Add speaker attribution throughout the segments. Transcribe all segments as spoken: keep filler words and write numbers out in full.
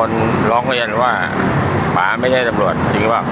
Speaker 1: คนร้องเรียนว่าป๋าไม่ใช่ตำรวจจริงเปล่า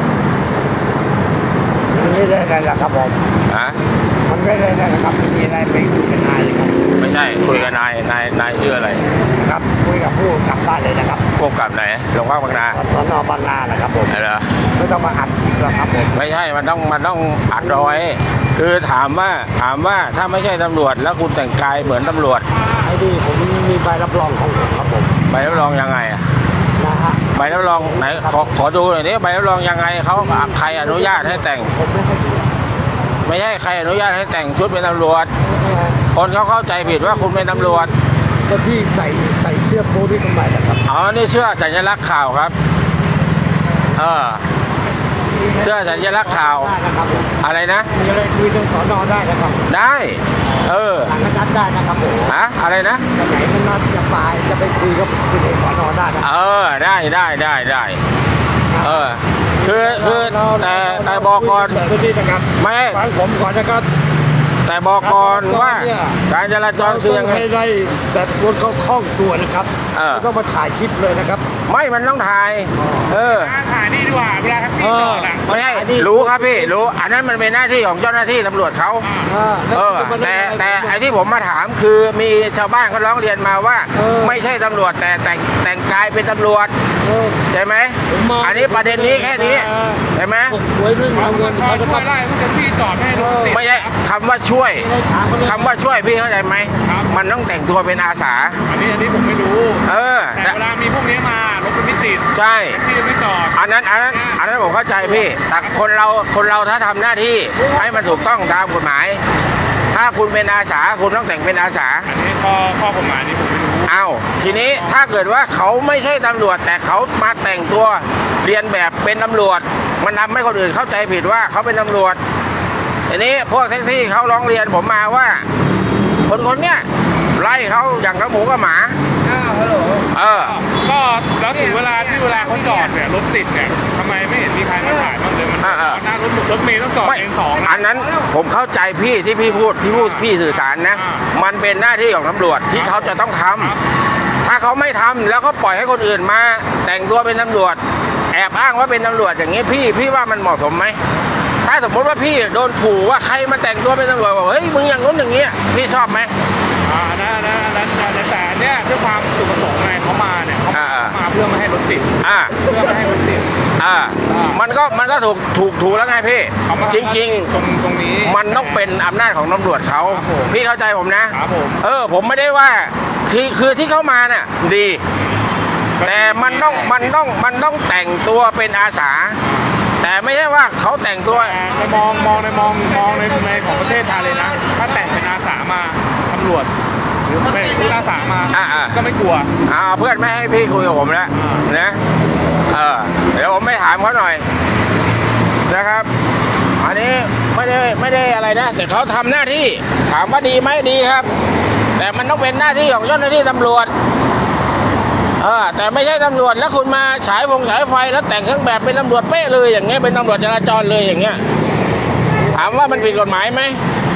Speaker 2: มันไม่ได้อะไรหรอกครับผม
Speaker 1: ฮะ
Speaker 2: มันไม่ได้อะไรครับไม่มีอะไรไปคุยกับนายเลยครับ
Speaker 1: ไม่ใช่คุยกับนายนายนายชื่ออะไร
Speaker 2: ครับคุยกับผู้กำกับได้เลยนะครับ
Speaker 1: ผู้กำกับไหนโรงพักบางนา
Speaker 2: สน.บางนานะครับผม
Speaker 1: เหรอ
Speaker 2: ไม่ต้องมาอัดคลิปหรอกครับผม
Speaker 1: ไม่ใช่มันต้องมันต้องอัดเอาไว้คือถามว่าถามว่าถ้าไม่ใช่ตำรวจแล้วคุณแต่งกายเหมือนตำรวจ
Speaker 2: ไอ้ดีผมมีใบรับรองของผมครับผม
Speaker 1: ใบรับรองยังไงอะ
Speaker 2: นะฮะ
Speaker 1: ใบรับรองไหนขอขอดูหน่อยนี้ใบรับรองยังไงเขาใครอนุญาตให้แต่ง
Speaker 2: ผมไม่ให้ดู
Speaker 1: ไม่ใช่ใครอนุญาตให้แต่งชุดเป็นตำรวจคนเขาเข้าใจผิดว่าคุณเป็นตำรวจ
Speaker 2: ก็ที่ใส่ใส่เสื้อโพนี่ทำไมล่ะครับ
Speaker 1: อ๋อนี่เสื้อสัญลักษณ์ข่าวครับเออเสื้อสัญลักษณ์ข่าวอะไรนะ
Speaker 2: มีอะไรคุยเรื่องสน.ได้นะครับ
Speaker 1: ได้เออ
Speaker 2: หลังนัดได้นะครับผม
Speaker 1: ฮะอะไรนะ
Speaker 2: จะไหนมันนัดจะไปจะไปคุยกับคุยในสน.ได้นะ
Speaker 1: เออได้ได้ได้ได้เออคือคือแต่แต่บอกก่อนไม่
Speaker 2: ฟังผมก่อนนะครับ
Speaker 1: แต่บอกก่อนว่าการจราจรคือยังไง
Speaker 2: ไม่ได้แบบรถเขาคล่องตัวนะครับไม่ต้องมาถ่ายคลิปเลยนะครับ
Speaker 1: ไม่มันต้องถ่ายเออ
Speaker 3: ถ่ายนี่ดีกว่าเวลาแท็กซี่จอดอ่ะ
Speaker 1: ไม่ใช่รู้ครับพี่รู้อันนั้นมันเป็นหน้าที่ของเจ้าหน้าที่ตำรวจเขาเออแต่แต่ไอ้ที่ผมมาถามคือมีชาวบ้านเขาร้องเรียนมาว่าไม่ใช่ตำรวจแต่แต่งแต่งกายเป็นตำรวจใช่ไหมอันนี้ประเด็นนี้แค่นี้ใช่ไหม
Speaker 2: ช่วยเรื่องเงิน
Speaker 3: เขาจะไล่ผู้แท็กซี่จอดให้รถติด
Speaker 1: ไม่ใช่คำว่าช่วยคำว่าช่วยพี่เข้าใจไหมมันต้องแต่งตัวเป็นอาสา
Speaker 3: อันนี้อันนี้ผมไม่รู้
Speaker 1: เออ
Speaker 3: แต่เวลามีพวกนี้มารถมันไม่ติด
Speaker 1: ใช่
Speaker 3: ที่ไม่จอด
Speaker 1: อันนั้นอันนั้นอันนั้นผมเข้าใจพี่แต่คนเราคนเราถ้าทำหน้าที่ให้มันถูกต้องตามกฎหมายถ้าคุณเป็นอาสาคุณต้องแต่งเป็นอาสา
Speaker 3: อันนี้ข้อข้อกฎหมายนี้ผมไม่รู้
Speaker 1: อ้าวทีนี้ถ้าเกิดว่าเขาไม่ใช่ตำรวจแต่เขามาแต่งตัวเรียนแบบเป็นตำรวจมันทำให้คนอื่นเข้าใจผิดว่าเขาเป็นตำรวจทีนี้พวกแท็กซี่เขาร้องเรียนผมมาว่าคนคนเนี้ยไล่เขาอย่างกับหมูกับหมา
Speaker 2: อ้าวฮัลโหล
Speaker 1: เออ
Speaker 3: ก็แล้วถึงเวลาที่เวลาเขาจอดเนี่ยรถติดเนี่ยทำไมไม่เห็นมีใครมาถ่ายบ้างเลยมันหน้ารถรถเมล์ต้องจอดเองสอง
Speaker 1: อันนั้นผมเข้าใจพี่ที่พี่พูดที่พูดพี่สื่อสารนะมันเป็นหน้าที่ของตำรวจที่เขาจะต้องทำถ้าเขาไม่ทำแล้วก็ปล่อยให้คนอื่นมาแต่งตัวเป็นตำรวจแอบอ้างว่าเป็นตำรวจอย่างนี้พี่พี่ว่ามันเหมาะสมไหมถ้าสมมติว่าพี่โดนขู่ว่าใครมาแต่งตัวเป็นตำรวจบอกเฮ้ยมึงอย่างนู้นอย่างนี้พี่ชอบไหม
Speaker 3: อ่านะนะนะแต่เนี่ยด้วยความจุดประสงค์ไงเขามาเนี่ยเขามาเพื่อไม่ให้รถติด
Speaker 1: อ่า
Speaker 3: เพื่อไม่ให้รถติด
Speaker 1: อ่ามันก็มันก็ถูกถูกถูกแล้วไงพี่จริงจริง
Speaker 3: ตรงตรงนี้
Speaker 1: มันต้องเป็นอำนาจของตำรวจเขาพี่เข้าใจผมนะครับ
Speaker 3: ผม
Speaker 1: เออผมไม่ได้ว่าคือคือที่เขามาเนี่ยดีแต่มันต้องมันต้องมันต้องแต่งตัวเป็นอาสาแต่ไม่ใช่ว่าเขาแต่งตัว
Speaker 3: ในมองมองในมองมองในในของประเทศไทยเลยนะถ้าแต่งเป็นอาสามาตำรวจหรือเป็นผู้อาสามาก็ไม่กลัว
Speaker 1: อ่าเพื่อนไม่ให้พี่คุยกับผมแล้วนะเออเดี๋ยวผมไม่ถามเขาหน่อยนะครับอันนี้ไม่ได้ไม่ได้อะไรนะแต่เขาทำหน้าที่ถามว่าดีไหมดีครับแต่มันต้องเป็นหน้าที่ของเจ้าหน้าที่ตำรวจเออแต่ไม่ใช่ตำรวจแล้วคุณมาฉายวงฉายไฟแล้วแต่งเครื่องแบบเป็นตำรวจเป๊ะเลยอย่างเงี้ยเป็นตำรวจจราจรเลยอย่างเงี้ยถามว่ามันผิดกฎหมายไหม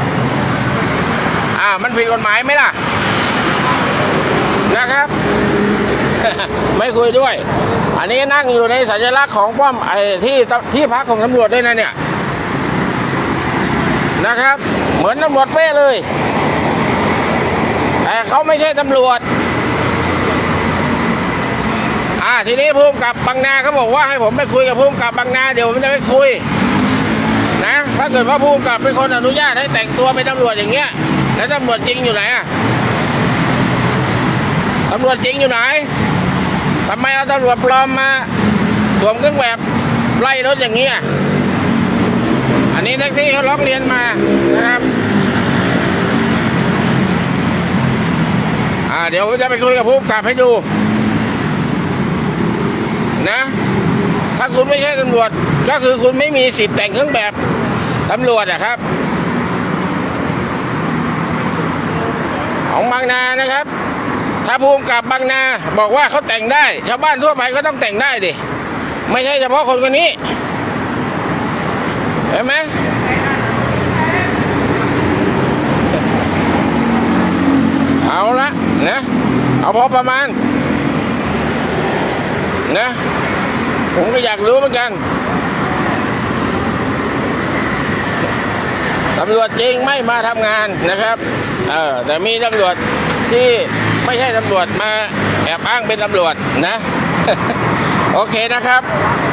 Speaker 1: อ่ามันผิดกฎหมายไหมล่ะนะครับ ไม่คุยด้วยอันนี้นั่งอยู่ในสัญลักษณ์ของป้อมไอ้ที่ที่พักของตำรวจด้วยนะเนี่ยนะครับเหมือนตำรวจเป๊ะเลยแต่เขาไม่ใช่ตำรวจอ่าทีนี้ผู้กำกับบางนาเขาบอกว่าให้ผมไปคุยกับผู้กำกับบางนาเดี๋ยวผมจะไปคุยนะถ้าเกิดว่าผู้กำกับเป็นคนอนุญาตให้แต่งตัวเป็นตำรวจอย่างเงี้ยแล้วตำรวจจริงอยู่ไหนอะตำรวจจริงอยู่ไหนทำไมเอาตำรวจปลอมมาสวมเครื่องแบบไล่รถอย่างเงี้ยอันนี้แท็กซี่เขาร้องเรียนมานะครับอ่าเดี๋ยวผมจะไปคุยกับผู้กำกับให้ดูนะถ้าคุณไม่ใช่ตำรวจก็คือคุณไม่มีสิทธิ์แต่งเครื่องแบบตำรวจอะครับของบางนานะครับถ้าผู้กำกับบางนาบอกว่าเขาแต่งได้ชาวบ้านทั่วไปก็ต้องแต่งได้ดิไม่ใช่เฉพาะคนคนนี้เห็นไหมเอาละนะเอาพอประมาณนะผมก็อยากรู้เหมือนกันตำรวจจริงไม่มาทำงานนะครับเออแต่มีตำรวจที่ไม่ใช่ตำรวจมาแอบอ้างเป็นตำรวจนะ โอเคนะครับ